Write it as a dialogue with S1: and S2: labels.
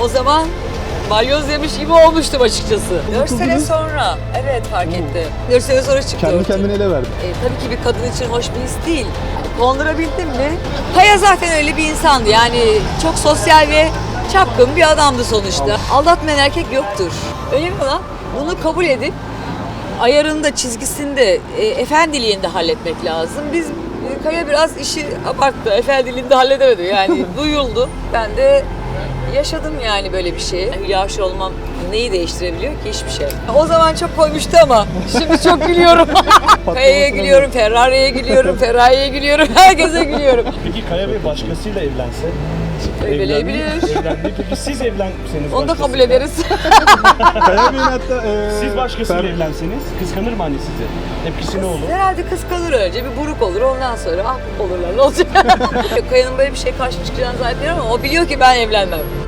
S1: o zaman balyoz yemiş gibi olmuştum açıkçası. 4 sene sonra, evet fark etti. 4 sene sonra çıktı
S2: Kendi
S1: ortaya.
S2: kendine ele verdi.
S1: Tabii ki bir kadın için hoş bir his değil. Kondurabildim mi? Kaya zaten öyle bir insandı. Yani çok sosyal ve çapkın bir adamdı sonuçta. Aldatmayan erkek yoktur. Önemli olan bunu kabul edip ayarında, çizgisinde, efendiliğinde halletmek lazım. Biz Kaya biraz işi abarttı. Efendiliğinde halledemedi. Yani duyuldu. Ben de yaşadım yani böyle bir şeyi. Hülya Avşar olmam neyi değiştirebiliyor ki? Hiçbir şey. O zaman çok koymuştu ama şimdi çok gülüyorum. Kaya'ya gülüyorum, Ferrari'ye gülüyorum, Ferrari'ye gülüyorum, herkese gülüyorum.
S3: Peki Kaya Bey başkasıyla evlense?
S1: Evlenebilir.
S3: Evlendi. Peki siz evlenseniz
S1: Onu da
S3: başkasıyla?
S1: kabul ederiz.
S2: Kaya Bey'in hatta...
S3: Siz başkasıyla evlenseniz kıskanır mı anne sizi? Tepkisi ne olur?
S1: Herhalde kıskanır önce, bir buruk olur, ondan sonra ah olurlar, ne olacak? Kaya'nın böyle bir şey karşı çıkacağını zannediyorum ama o biliyor ki ben evlenmem.